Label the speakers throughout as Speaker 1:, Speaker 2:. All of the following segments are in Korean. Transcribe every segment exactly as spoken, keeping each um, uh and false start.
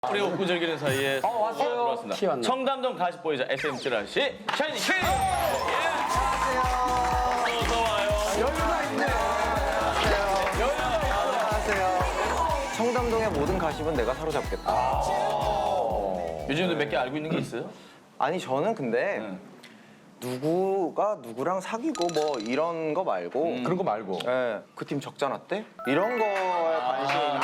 Speaker 1: 우리 웃고 즐기는 사이에
Speaker 2: 어, 왔어요.
Speaker 1: 들어왔습니다.
Speaker 2: 키 왔네.
Speaker 1: 청담동 가십보이자 에스엠 찌라 씨 샤이니 키. 예. 안녕하세요. 어서 와요.
Speaker 2: 여유가 있네.
Speaker 3: 안녕하세요. 청담동의 모든 가십은 내가 사로잡겠다.
Speaker 1: 요즘에도 몇 개 알고 있는 게 있어요?
Speaker 3: 아니 저는 근데
Speaker 1: 네.
Speaker 3: 누구가 누구랑 사귀고 뭐 이런 거 말고
Speaker 1: 음.
Speaker 2: 그런 거 말고.
Speaker 3: 예, 그 팀 적자 났대? 이런 거에 관심이 있는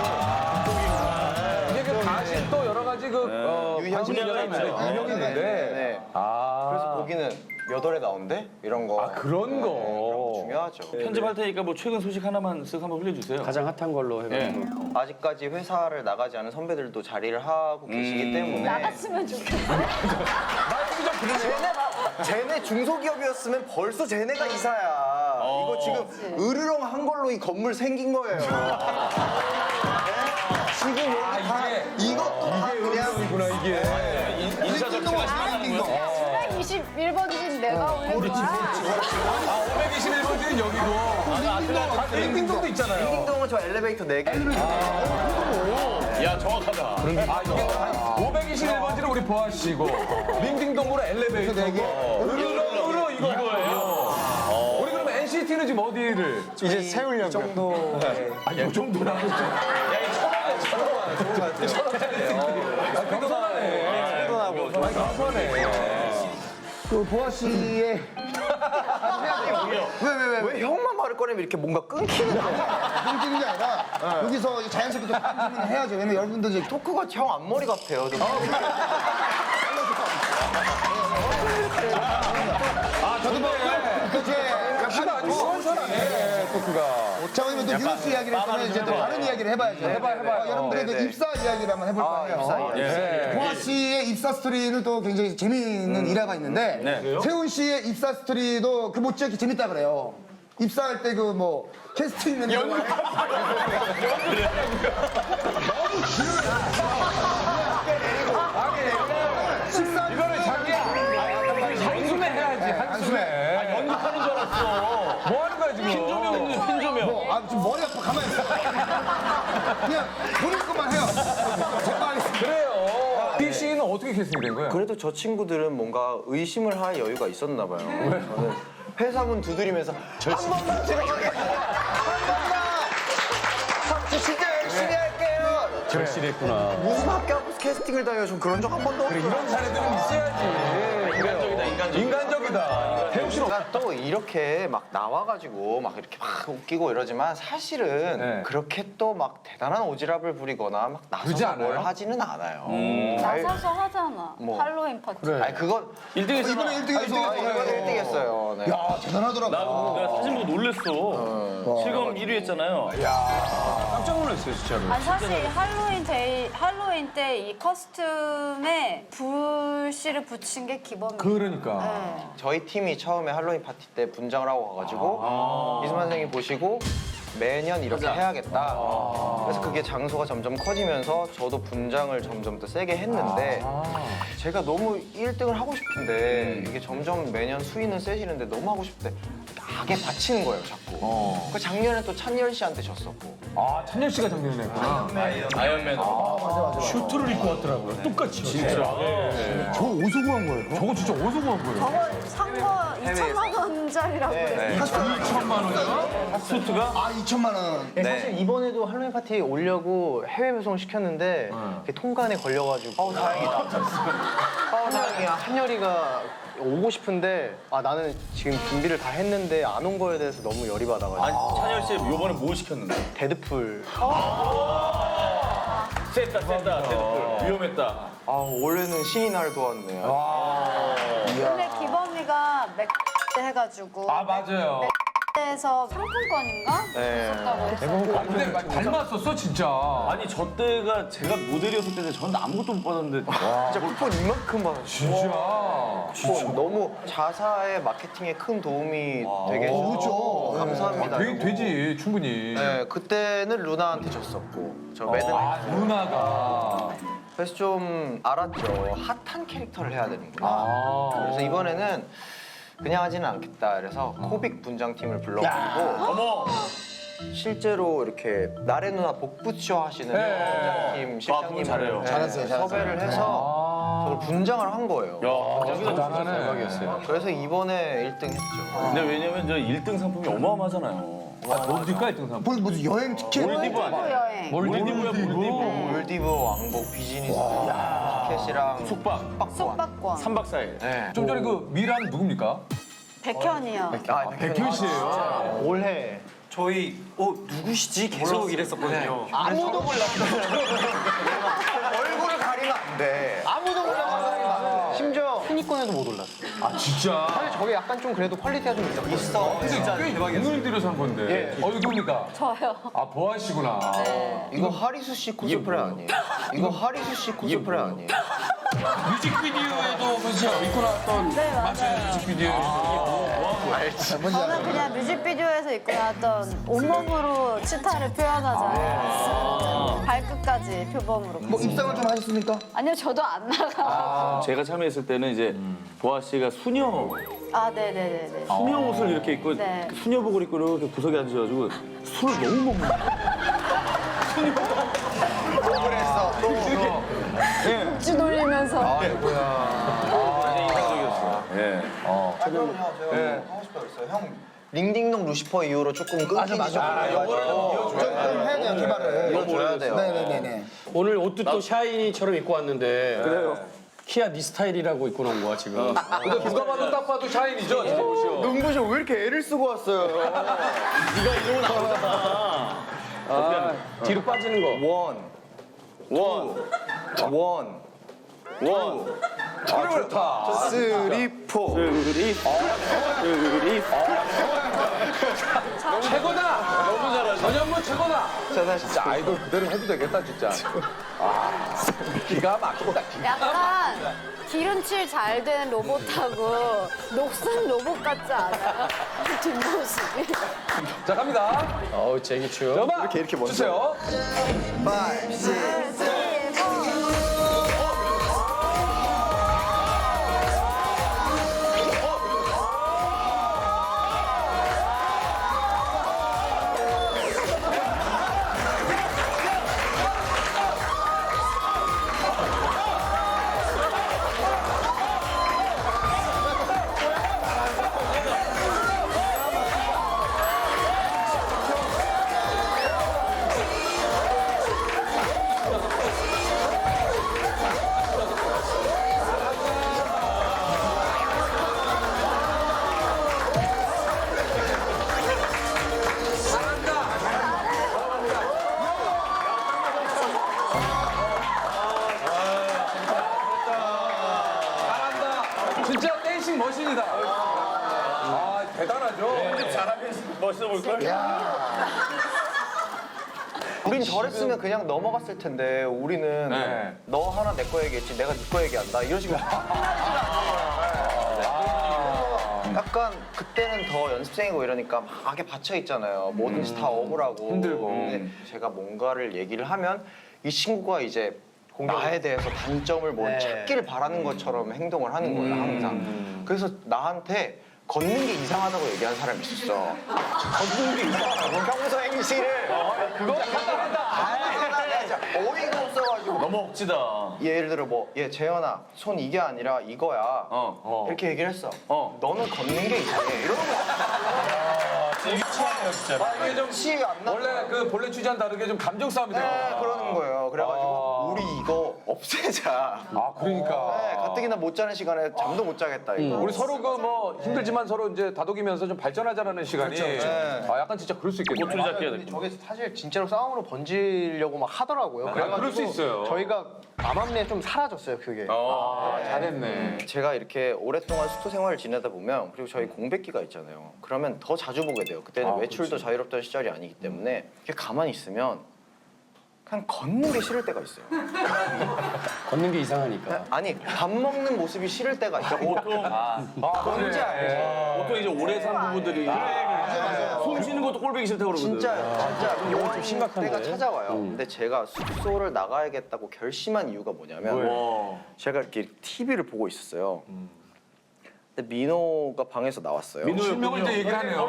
Speaker 2: 이게 그 다시 또 여러 가지 그 어,
Speaker 3: 유형이
Speaker 2: 관심이
Speaker 1: 있죠.
Speaker 2: 있는데 유형이 있는데.
Speaker 3: 네.
Speaker 2: 아.
Speaker 3: 그래서 거기는 몇 월에 나온대? 이런 거.
Speaker 2: 아, 그런 거.
Speaker 3: 그런 거 중요하죠.
Speaker 1: 편집할 테니까 뭐 최근 소식 하나만 쓱 한번 흘려주세요.
Speaker 4: 가장 핫한 걸로 해가지고.
Speaker 1: 예.
Speaker 3: 아직까지 회사를 나가지 않은 선배들도 자리를 하고 계시기
Speaker 1: 음.
Speaker 3: 때문에
Speaker 5: 나갔으면 좋겠어.
Speaker 3: 쟤네, 쟤네 중소기업이었으면 벌써 쟤네가 이사야. 이거 지금 으르렁한 걸로 이 건물 생긴 거예요. 네? 지금 여기 다
Speaker 2: 이게-
Speaker 3: 이것도 다 그냥
Speaker 2: 이구나 이게.
Speaker 1: 인사 적체가 심하다는 거.
Speaker 5: 백이십일 번진 내가 올린 거야.
Speaker 2: 아, 오백이십일 번지는 여기고. 아, 링딩동도 있잖아요.
Speaker 3: 띵동은 저 엘리베이터 네 개.
Speaker 1: 야 정확하다.
Speaker 2: 아, 이게 오백이십일 번지는 우리 보아 씨고, 링딩동으로 엘리베이터고, 으르렁으로 이거.
Speaker 1: 이거예요.
Speaker 2: 우리 그러면 엔시티는 지금 어디를?
Speaker 3: 이제 세우려고. 정도.
Speaker 2: 아, 이 정도나. 야, 이 천원에 겸손하네.
Speaker 3: 하고.
Speaker 2: 아니, 겸손해.
Speaker 4: 그 보아 씨의
Speaker 3: 왜왜왜 왜, 왜 형만 말을 꺼내면 이렇게 뭔가 끊기는 거야?
Speaker 6: 끊기는 게 아니라 여기서 자연스럽게 좀 질문을 해야죠. 왜냐면 여러분들 이제
Speaker 3: 토크가 형 앞머리 같아요. 좀.
Speaker 2: 아, 저도 뭐,
Speaker 6: 그제
Speaker 2: 키가 아주 시원시원하네, 토크가.
Speaker 6: 자 그러면 또 뉴스 이야기를 했으면 이제 또 다른 이야기를 해봐야죠.
Speaker 2: 해봐요, 해봐요.
Speaker 6: 어, 여러분들의 그
Speaker 3: 네네.
Speaker 6: 입사 이야기를 한번 해볼
Speaker 3: 아,
Speaker 6: 거예요.
Speaker 3: 입사 이야기.
Speaker 2: 예.
Speaker 6: 보아 씨의 입사 스토리는 또 굉장히 재미있는 일화가 있는데
Speaker 1: 네.
Speaker 6: 세훈 씨의 입사 스토리도 그 못지않게 재밌다 그래요. 입사할 때 그 뭐 캐스팅 있는 거
Speaker 2: 이거를 자기야. 한숨에 해야지, 한숨에.
Speaker 1: 아, 연극하는 줄 알았어.
Speaker 2: 뭐 하는 거야, 지금?
Speaker 1: 핀조명, 핀조명.
Speaker 6: 뭐, 아 지금 머리 아파 가만히 있어. 그냥 본인 것만 해요. 정말
Speaker 2: 그래요. B 씨는 어떻게 캐스팅이 된 거야?
Speaker 3: 그래도 저 친구들은 뭔가 의심을 할 여유가 있었나 봐요. 저는 회사문 두드리면서 한 번만 들어가게 한 번만 저 진짜 열심히 할게요.
Speaker 4: 절실했구나.
Speaker 3: 무슨 학교 앞에서 캐스팅을 당해요? 전 그런 적 한 번도 없어요.
Speaker 2: 이런 사례들은 있어야지.
Speaker 1: 인간적이다, 인간적.
Speaker 2: 인간적이다. 태욱 씨는
Speaker 3: 제가 또 이렇게 막 나와가지고 막 이렇게 막 웃기고 이러지만 사실은
Speaker 2: 네.
Speaker 3: 그렇게 또 막 대단한 오지랖을 부리거나 막
Speaker 2: 그러지
Speaker 3: 나서서
Speaker 2: 않아요?
Speaker 3: 뭘 하지는 않아요.
Speaker 5: 나서서 하잖아.
Speaker 3: 뭐.
Speaker 5: 할로윈 파티.
Speaker 3: 아니 그건
Speaker 1: 일 등 했잖아.
Speaker 6: 이번에 일 등 해서
Speaker 3: 아, 이거 일 등 했어요. 네.
Speaker 6: 야 대단하더라고.
Speaker 1: 나 내가 사진 보고 놀랬어. 실검 일 위 했잖아요.
Speaker 4: 깜짝 놀랐어요, 진짜로.
Speaker 5: 아니 사실 할로윈 데이 할로윈 때 이 커스튬에 불씨를 붙인 게 기본이에요.
Speaker 2: 그러니까.
Speaker 5: 네.
Speaker 3: 저희 팀이 처음에 할로윈 파티 때 분장을 하고 가가지고 이수만 선생님 보시고 매년 이렇게 해야겠다. 그래서 그게 장소가 점점 커지면서 저도 분장을 점점 더 세게 했는데 제가 너무 일 등을 하고 싶은데 이게 점점 매년 수위는 세지는데 너무 하고 싶대. 악에 받치는 거예요, 자꾸. 그 작년에 또 찬열 씨한테 졌었고.
Speaker 2: 아, 찬열 씨가 작년에 했구나.
Speaker 1: 아이언맨.
Speaker 4: 슈트를 입고 왔더라고요. 똑같이. 진짜.
Speaker 6: 저 어디서 구한 거예요?
Speaker 2: 저거 진짜 어디서 구한 거예요?
Speaker 5: 저거 산거 이천만 원짜리라고
Speaker 3: 네.
Speaker 2: 이천만 원이요?
Speaker 1: 수트가?
Speaker 6: 아 이천만 원.
Speaker 3: 네, 사실 이번에도 할로윈 파티 오려고 해외 배송 시켰는데 그게 통관에 걸려가지고 어 다행이다. 어 다행이야. 한열이가 오고 싶은데 아 나는 지금 준비를 다 했는데 안 온 거에 대해서 너무 열이 받아가지고
Speaker 1: 아니 찬열 씨 요번에 뭐 시켰는데?
Speaker 3: 데드풀.
Speaker 1: 셌다 셌다 데드풀 위험했다.
Speaker 3: 아 원래는 신이 날 도왔네.
Speaker 5: 근데 기범이가 맥 해가지고
Speaker 2: 아, 맞아요.
Speaker 5: 맥에서 상품권인가?
Speaker 3: 네.
Speaker 5: 줬다고 했어.
Speaker 2: 아, 근데 막 닮았었어, 진짜.
Speaker 1: 아니 저 때가 제가 모델이었을 때인데 저는 아무것도 못 받았는데
Speaker 3: 진짜 쿠폰 이만큼 받았어.
Speaker 2: 진짜.
Speaker 3: 쿠폰 너무 자사의 마케팅에 큰 도움이 되게 해줘서
Speaker 6: 그렇죠.
Speaker 3: 감사합니다.
Speaker 2: 되, 되지, 충분히.
Speaker 3: 네 그때는 루나한테 졌었고 저 매듭.
Speaker 2: 아, 누나가.
Speaker 3: 그래서 좀 알았죠. 핫한 캐릭터를 해야 되는구나.
Speaker 2: 아.
Speaker 3: 그래서 이번에는 그냥 하지는 않겠다. 그래서 코빅 분장팀을 불러가지고
Speaker 1: 어머
Speaker 3: 실제로 이렇게 나래 누나 복부쇼 하시는 팀 실장님을
Speaker 1: 잘해요.
Speaker 3: 네,
Speaker 6: 잘했어요, 잘했어요.
Speaker 3: 섭외를 해서 저걸 분장을 한 거예요.
Speaker 2: 대단하네. 대박이었어요.
Speaker 3: 그래서 이번에 일 등 했죠.
Speaker 1: 근데 왜냐면 저 일 등 상품이 어마어마하잖아요.
Speaker 2: 뭡니까 일 등 상품?
Speaker 6: 뭐, 무슨 여행 티켓?
Speaker 1: 몰디브 아니야?
Speaker 5: 여행.
Speaker 1: 몰디브야 몰디브.
Speaker 3: 몰디브 왕복 비즈니스 티켓이랑
Speaker 1: 숙박
Speaker 3: 숙박권.
Speaker 5: 숙박권.
Speaker 1: 삼 박 사 일.
Speaker 3: 네.
Speaker 2: 좀 전에 그 미란 누굽니까?
Speaker 5: 백현이요.
Speaker 3: 아,
Speaker 2: 백현 씨예요.
Speaker 3: 올해
Speaker 7: 저희 어 누구시지 계속 이랬었거든요.
Speaker 3: 아무도 몰랐어요. 얼굴을 가리면 안 돼. 아무도 몰랐어요. 심지어
Speaker 7: 순위권에도 못 올랐어.
Speaker 2: 아 진짜?
Speaker 3: 사실 저게 약간 좀 그래도 퀄리티가 좀 있었거든요. 있어.
Speaker 2: 진짜 꽤 돈을 들여서 한 건데. 어, 이거 누굽니까?
Speaker 5: 저요.
Speaker 2: 아, 보아 씨구나.
Speaker 3: 이거 하리수 씨 코스프레 아니에요? 이거 하리수 씨 코스프레 아니에요?
Speaker 4: 뮤직비디오에도 그죠? 입고 나왔던
Speaker 5: 네, 맞아요.
Speaker 4: 뮤직비디오.
Speaker 5: 저는 그냥 뮤직비디오에서 입고 나왔던 온몸으로 치타를 표현하자. 발끝까지 표범으로.
Speaker 6: 뭐 입상을 좀 하셨습니까?
Speaker 5: 아니요, 저도 안 나가.
Speaker 1: 제가 참여했을 때는 이제 보아 씨가 수녀
Speaker 5: 아, 네네네네.
Speaker 1: 수녀 옷을 이렇게 입고
Speaker 5: 네.
Speaker 1: 그 수녀복을 입고 이렇게 구석에 앉아가지고 술을 너무 못 먹는
Speaker 3: 그랬어. 또
Speaker 5: 쭉 돌리면서.
Speaker 1: 굉장히 인상적이었어요. 예.
Speaker 3: 아, 그럼요. 제가 뭐 하고 싶다고 했어요. 형 링딩동 루시퍼 이후로 조금 끊기지 좀 그래가지고
Speaker 6: 좀 해야 돼요, 개발을.
Speaker 3: 이어줘야 돼요.
Speaker 6: 네네네네.
Speaker 4: 오늘 옷도 또 샤이니처럼 입고 왔는데. 그래요. 키아 니 스타일이라고 입고 나온 거야 지금.
Speaker 2: 근데 누가 봐도 딱 봐도 샤인이죠? 진짜 보시오.
Speaker 3: 눈부셔 왜 이렇게 애를 쓰고 왔어요?
Speaker 1: 네가 이러고 나오잖아.
Speaker 4: 아, 뒤로 빠지는 거.
Speaker 3: 원, 원, 원, 원,
Speaker 2: 아, 좋다.
Speaker 3: 쓰리, 포.
Speaker 1: 으리 으리
Speaker 2: 최고다. 너무 잘하죠. 전현무 최고다.
Speaker 3: 자,
Speaker 2: 진짜 아이돌 그대로 해도 되겠다 진짜. 아, 기가 막힌다. 기가.
Speaker 5: 약간 기름칠 잘 된 로봇하고 녹슨 로봇 같지 않아요? 뒷모습이.
Speaker 2: 자 갑니다.
Speaker 4: 어우 제기추.
Speaker 2: 음악 이렇게 이렇게 먼저 주세요.
Speaker 3: 파이브, 식스.
Speaker 2: 잘한다. 진짜 댄싱 머신이다. 아 대단하죠.
Speaker 1: 멋있어 보일걸?
Speaker 3: 우린 저랬으면 그냥 넘어갔을 텐데 우리는
Speaker 2: 네.
Speaker 3: 너 하나 내 거 얘기했지 내가 네 거 얘기한다 이런 식으로 약간 그때는 더 연습생이고 이러니까 막에 받쳐 있잖아요. 뭐든지 다 억울하고
Speaker 2: 힘들고.
Speaker 3: 근데 제가 뭔가를 얘기를 하면 이 친구가 이제 나에 대해서 단점을 뭘 찾기를 바라는 것처럼 행동을 하는 거예요 항상. 그래서 나한테 걷는 게 이상하다고 얘기한 사람이 있었어. 걷는 게 이상하다고? 평소 행실을 그거 한다 한다. 진짜 어이가 없어가지고.
Speaker 1: 너무 억지다.
Speaker 3: 예를 들어 뭐, 얘 재현아, 손 이게 아니라 이거야.
Speaker 1: 어, 어.
Speaker 3: 이렇게 얘기를 했어.
Speaker 1: 어.
Speaker 3: 너는 걷는 게 이상해. 이러는 거야.
Speaker 1: 유치하네요 진짜.
Speaker 3: 아, 이게 좀 치가 안 나.
Speaker 2: 원래 그 본래 취지와는 다르게 좀 감정 싸움이 돼요.
Speaker 3: 네, 그러는 거예요. 그래가지고
Speaker 2: 아.
Speaker 3: 우리 이거 없애자.
Speaker 2: 아 그러니까.
Speaker 3: 네, 가뜩이나 못 자는 시간에 잠도 못 자겠다 이거.
Speaker 2: 우리 서로 그 뭐 힘들지만 서로 이제 다독이면서 좀 발전하자라는 시간이
Speaker 3: 네.
Speaker 2: 아 약간 진짜 그럴 수 있겠네요.
Speaker 1: 꼬투리 잡기 해야 돼.
Speaker 8: 저게 사실 진짜로 싸움으로 번지려고 막 하더라고요.
Speaker 2: 아, 그럴 수 있어요.
Speaker 8: 저희가 암암리에 좀 사라졌어요, 그게.
Speaker 2: 아, 잘했네.
Speaker 3: 제가 이렇게 오랫동안 숙소 생활을 지내다 보면 그리고 저희 공백기가 있잖아요. 그러면 더 자주 보게 돼요. 그때는
Speaker 2: 아,
Speaker 3: 외출도 자유롭던 시절이 아니기 때문에 이렇게 가만히 있으면 그냥 걷는 게 싫을 때가 있어요.
Speaker 4: 걷는 게 이상하니까.
Speaker 3: 아니 밥 먹는 모습이 싫을 때가 있어요.
Speaker 1: 보통 아,
Speaker 3: 뭔지 알죠?
Speaker 1: 보통 이제 오래 산 부부들이 숨 쉬는 것도 꼴보기 싫다고 그러거든.
Speaker 3: 진짜 진짜 이런
Speaker 4: 좀 심각한데?
Speaker 3: 때가 찾아와요. 근데 제가 숙소를 나가야겠다고 결심한 이유가 뭐냐면
Speaker 1: 와.
Speaker 3: 제가 이렇게 티비를 보고 있었어요. 근데 민호가 방에서 나왔어요.
Speaker 2: 실명을 이제 얘기하네요.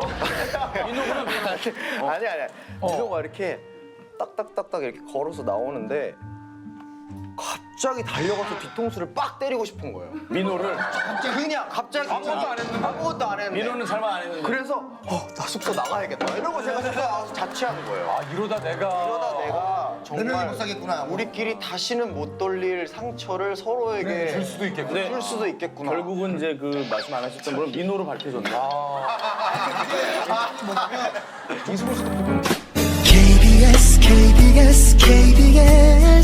Speaker 3: 아니 아니. 민호가 이렇게 딱딱딱딱 이렇게 걸어서 나오는데 갑자기 달려가서 뒤통수를 빡 때리고 싶은 거예요.
Speaker 1: 민호를
Speaker 3: 그냥 갑자기
Speaker 2: 아무것도 안 했는데?
Speaker 3: 아무것도 안 했는데.
Speaker 1: 민호는 잘못 안 했는데.
Speaker 3: 그래서 어, 나 숙소 나가야겠다. 이러고 제가 숙소 나가서 자취한 거예요.
Speaker 2: 아, 이러다 내가.
Speaker 3: 그러다 내가
Speaker 6: 몇 명이
Speaker 3: 정말
Speaker 6: 못 사겠구나.
Speaker 3: 우리끼리 다시는 못 돌릴 상처를 서로에게
Speaker 2: 줄 수도 있겠구나.
Speaker 3: 줄 수도 있겠구나.
Speaker 1: 결국은 이제 그 말씀 안 하셨던 분은 민호로 밝혀졌네.
Speaker 9: 케이비에스 케이비에스 케이비에스